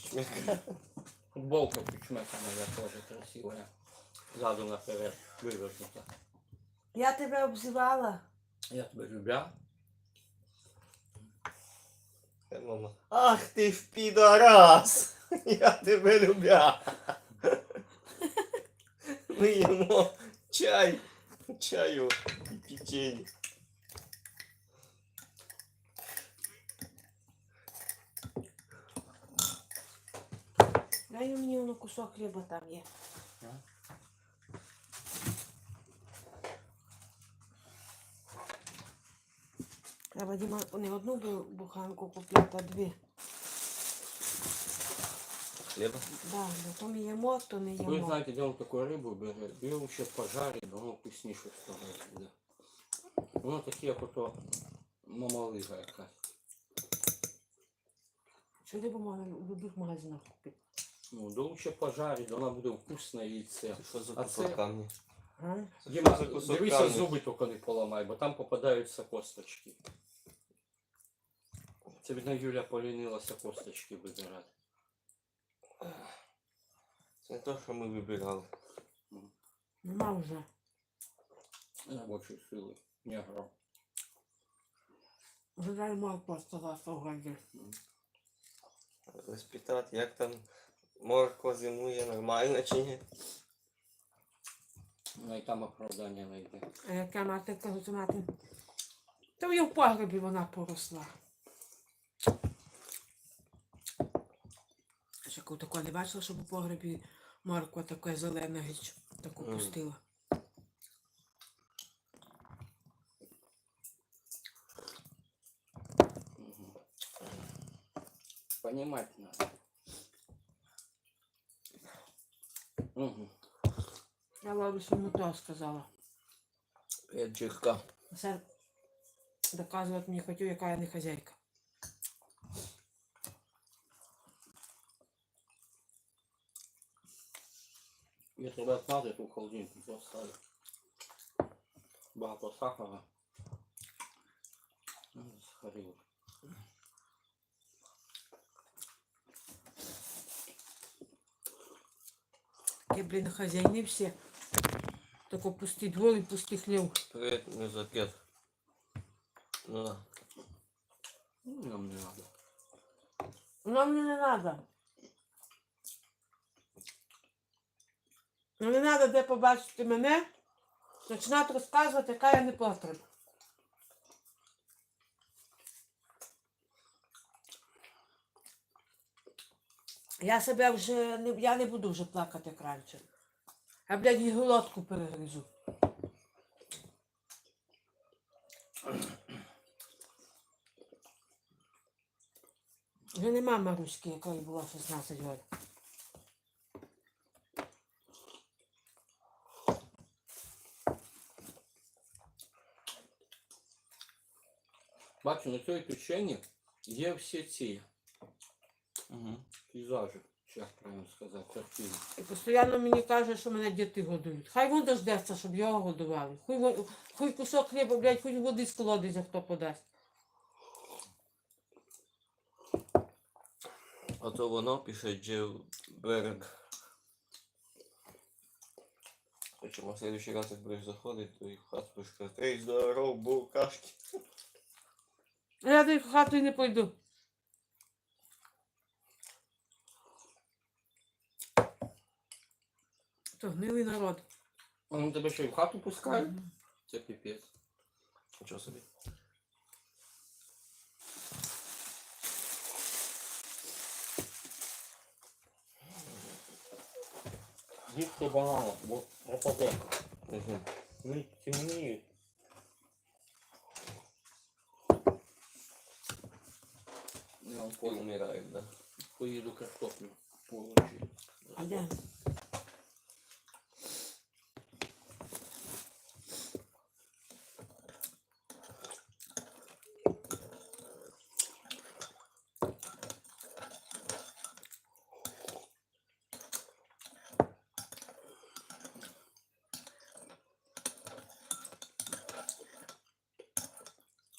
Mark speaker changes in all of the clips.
Speaker 1: Кучмяка.
Speaker 2: Футболка Кучмяка моя тоже красивая. Заду наперед вывернута.
Speaker 3: Я тебе обзивала.
Speaker 2: Я тебя любя.
Speaker 1: Мама. Ах ти ж підарас! Я тебе любя. Ми їмо чаю і печенье.
Speaker 3: Дай мені воно кусок хліба там є. Треба, Діма, не одну буханку купити, а дві.
Speaker 1: Хліба?
Speaker 3: Да, бо то ми їмо, то не
Speaker 2: Вы
Speaker 3: їмо.
Speaker 2: знаете, где он такую рыбу берет? Беру еще пожарить, воно вкусніше стало. Воно таке, як ото мамалига якась.
Speaker 3: Що ти можна в будь-яких магазинах купити?
Speaker 2: Ну, да лучше пожарить, вона буде вкусне яйце.
Speaker 1: Це що за
Speaker 2: А
Speaker 1: кусок
Speaker 2: це-
Speaker 1: камня?
Speaker 3: А?
Speaker 1: Це
Speaker 2: Діма,
Speaker 1: що за кусок
Speaker 2: дивися,
Speaker 1: камня?
Speaker 2: зуби тільки не поламай, бо там попадаються косточки. Це бідна Юля полінилася косточки вибирати.
Speaker 1: Це не те, що ми вибирали.
Speaker 3: Нема вже.
Speaker 2: Робочої сили. Не грав.
Speaker 3: Вже дай морква осталась в городі.
Speaker 1: Спитати, як там морква зимує, нормально чи ні?
Speaker 2: Ну і там оправдання знайде.
Speaker 3: А яка мати кажуть, мати. Та в її в погребі вона поросла. Ще такого не бачила, щоб у погребі морква така зелена річ, таку пустила.
Speaker 2: Понимать надо. Угу.
Speaker 3: Я бабусі йому то сказала.
Speaker 1: Педжирка.
Speaker 3: Все доказувати мені хотів, яка я не хазяйка.
Speaker 2: Если бы отмазать, то в холодильник поставить. Багато сахара. Сахарил.
Speaker 3: Такі, блін, хазяїни всі. Тако пусті двор і пустий хлів.
Speaker 1: Привет, мезокет. Ну да.
Speaker 2: Нам не надо.
Speaker 3: Воно мені не треба. Не треба де побачити мене, починати розказувати, яка я не потрібна. Я себе вже я не буду вже плакати як раніше. Я, блядь, і глотку перегризу. Вже нема Маруськи, якої було 16 років.
Speaker 2: Бачу, на цій печені є всі ці
Speaker 1: Угу.
Speaker 2: пейзажі, як правильно сказати, картини.
Speaker 3: І постійно мені каже, що мене діти годують. Хай він дождеться, щоб його годували. Хуй кусок хліба, блядь, хуй води з колодязя хто подасть.
Speaker 1: А то воно пише Джевберг. Причому в следующий раз, як будеш заходити, то і в хату будеш казати: ей, здоров, букашки.
Speaker 3: А я до хату і не пойду. То гнилий народ.
Speaker 2: Вони тебе ще й в хату пускають? Це піпець.
Speaker 1: Нічого собі.
Speaker 2: Їсти бананов, бо пропаде.
Speaker 1: Угу.
Speaker 2: Вони темніють. Я вам
Speaker 1: Умирають, да.
Speaker 2: поїду картоплю получу.
Speaker 3: А де?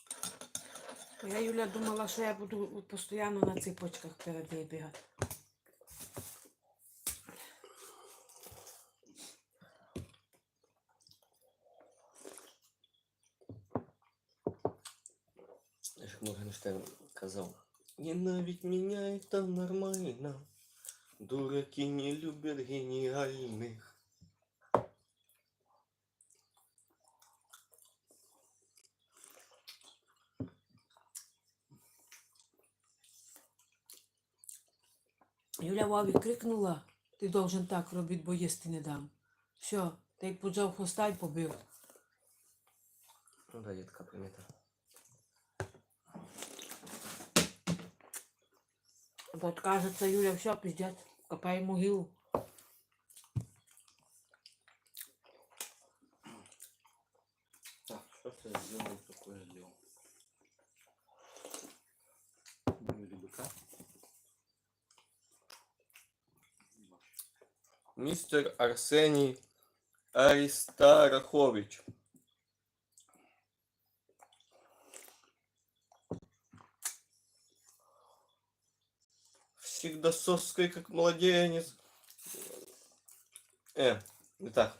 Speaker 3: Я, Юля, думала, що я буду постійно на ципочках перед нею бігати.
Speaker 1: як Моргенштерн казав. Ненавидь меня, это нормально. Дураки не любят гениальных.
Speaker 3: Юля Вові крикнула, ти должен так робити, бо їсти не дам. Все, та й поджав хвоста й побив.
Speaker 1: Ну да, є така примета.
Speaker 3: От кажеться, Юля, все, пиздец, копай могилу.
Speaker 2: Так, что ты сделал, такое сделал? Ну, или быка?
Speaker 1: Містер Арсеній Аристарахович. Всегда соской, как младенец. Не так.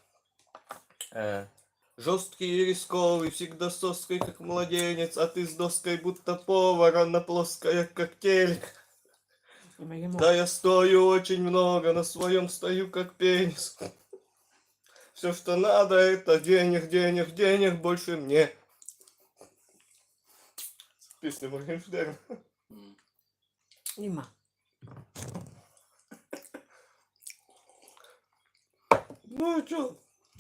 Speaker 1: Жесткий и рисковый, всегда соской, как младенец, а ты с доской, будто повара, на плоская, как телек. Да я стою очень много, на своем стою, как пенис. Все, что надо, это денег, денег, денег, больше мне. Песня Моргенштерна.
Speaker 3: Нема.
Speaker 1: Ну а чё?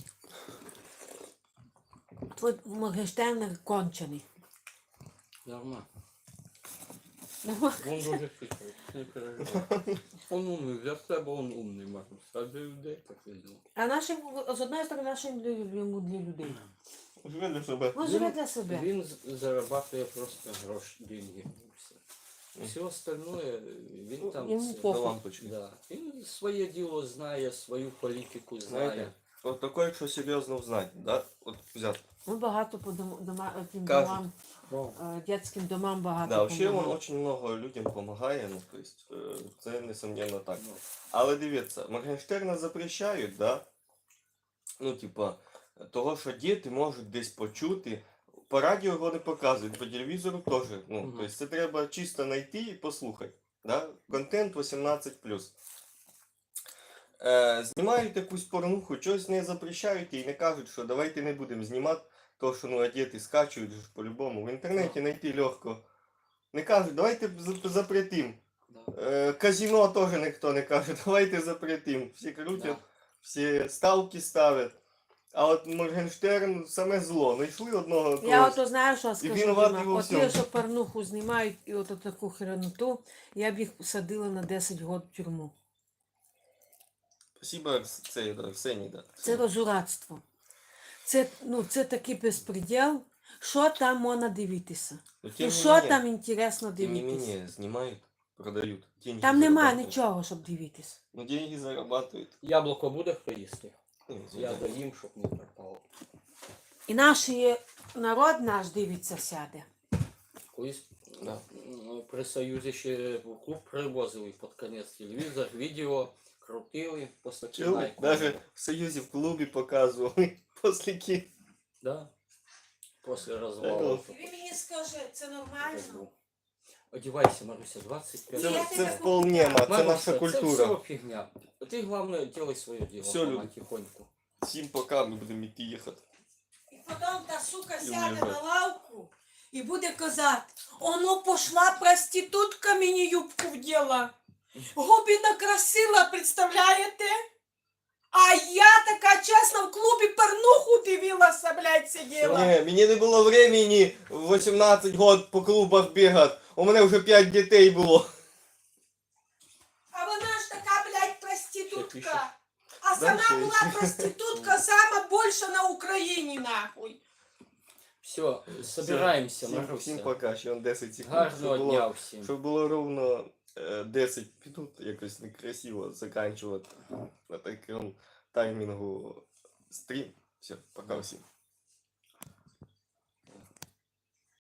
Speaker 3: Твой Моргенштерн кончений.
Speaker 2: Нормально.
Speaker 3: Нема.
Speaker 2: Он дуже хитрий, не переживай. Он умний, для себе он умний, можна сказати, для людей так і діло.
Speaker 3: А нашим, з одної сторони, нашим йому для людей.
Speaker 1: Живе для себе.
Speaker 3: Він живе для себе.
Speaker 2: Він зарабатує просто гроші, деньги. І все. Все остальное, він там...
Speaker 3: Йому
Speaker 2: це-
Speaker 3: похуй.
Speaker 1: До лампочки.
Speaker 2: Да. Він своє діло знає, свою політику знає.
Speaker 1: Знаєте, от такое, якщо серйозно взнати, да? От взяти.
Speaker 3: Ми багато по тим
Speaker 1: Кажуть.
Speaker 3: домам,
Speaker 2: Ну,
Speaker 3: дитячим домам багато
Speaker 1: Да, вообще він
Speaker 3: помагали.
Speaker 1: очень много людям допомагає, ну, то есть, це несомненно так.
Speaker 2: ну,
Speaker 1: Але дивіться, Моргенштерна запрещають, да? Ну, типа, того, що діти можуть десь почути. По радіо його не показують, по телевізору теж. Ну,
Speaker 2: Мгм.
Speaker 1: тобто це треба чисто знайти і послухати. Да? Контент 18+. Знімають якусь порнуху, щось не запрещають і не кажуть, що давайте не будемо знімати, тому що ну, а діти скачують ж по-любому. В інтернеті знайти легко. Не кажуть, давайте запретим.
Speaker 2: да.
Speaker 1: Казино теж ніхто не каже, давайте запретим. Всі крутять,
Speaker 2: Да.
Speaker 1: всі ставки ставлять. А от Моргенштерн саме зло. Знайшли одного
Speaker 3: Я
Speaker 1: когось.
Speaker 3: ото знаю, що скажу,
Speaker 1: винуватий
Speaker 3: Діма.
Speaker 1: во
Speaker 3: От
Speaker 1: всьому.
Speaker 3: ті, що порнуху знімають і от таку херноту, я б їх садила на 10 років в тюрму.
Speaker 1: Спасибо, це, да, Арсеній, да.
Speaker 3: Це розурадство. Це такий безпреділ. Що там можна дивитися?
Speaker 1: Ну, тем
Speaker 3: І
Speaker 1: не
Speaker 3: що
Speaker 1: менее,
Speaker 3: там інтересно
Speaker 1: тем не
Speaker 3: дивитися?
Speaker 1: менее, знімають, продають. Деньги
Speaker 3: Там немає
Speaker 1: зарабатывают.
Speaker 3: нічого, щоб дивитися.
Speaker 1: Ну, деньги зарабатывают.
Speaker 2: Яблуко буде хто їсти?
Speaker 1: Ну,
Speaker 2: Я
Speaker 1: да.
Speaker 2: доїм, щоб не пропало.
Speaker 3: І народ наш дивиться сяде.
Speaker 2: Колись
Speaker 1: Да.
Speaker 2: при Союзі ще в клуб привозили під кінець телевізор, відео крутили, після кіна.
Speaker 1: Чули?
Speaker 2: і
Speaker 1: Даже в Союзі в клубі показували після ки.
Speaker 2: Да. Після розвалу.
Speaker 3: Ви мені скажи, це нормально?
Speaker 2: Одівайся, Маруся, 25.
Speaker 3: Я
Speaker 1: Це
Speaker 3: тебе
Speaker 1: вполне, ма, це
Speaker 2: Маруся,
Speaker 1: наша
Speaker 2: Це
Speaker 1: культура.
Speaker 2: все фігня. Ти, головне, делай своє діло.
Speaker 1: Все, люди.
Speaker 2: Потихоньку.
Speaker 1: Всім пока, ми будемо йти їхати.
Speaker 3: І потім та сука
Speaker 1: І
Speaker 3: сяде
Speaker 1: уїжджати.
Speaker 3: на лавку і буде казати, оно пошла проститутка мені юбку вділа. Губи накрасила, представляєте? А я така чесна в клубі порнуху дивилася, блядь, сиділа.
Speaker 1: Ні, мені не було времени в 18 год по клубах бігати. У мене вже 5 дітей було.
Speaker 3: А вона ж така, блядь,
Speaker 2: Що пишеш?
Speaker 3: проститутка. А
Speaker 1: Дальше
Speaker 3: сама була
Speaker 1: еще.
Speaker 3: проститутка сама більше на Україні, нахуй.
Speaker 2: Все, собираємося,
Speaker 1: Всім
Speaker 2: Маруся.
Speaker 1: пока, ще он 10 секунд.
Speaker 2: Гарного
Speaker 1: щоб
Speaker 2: дня
Speaker 1: було,
Speaker 2: всім.
Speaker 1: щоб було ровно 10 минут, якось некрасиво заканчувати на такому таймінгу стрім. Все, пока всім.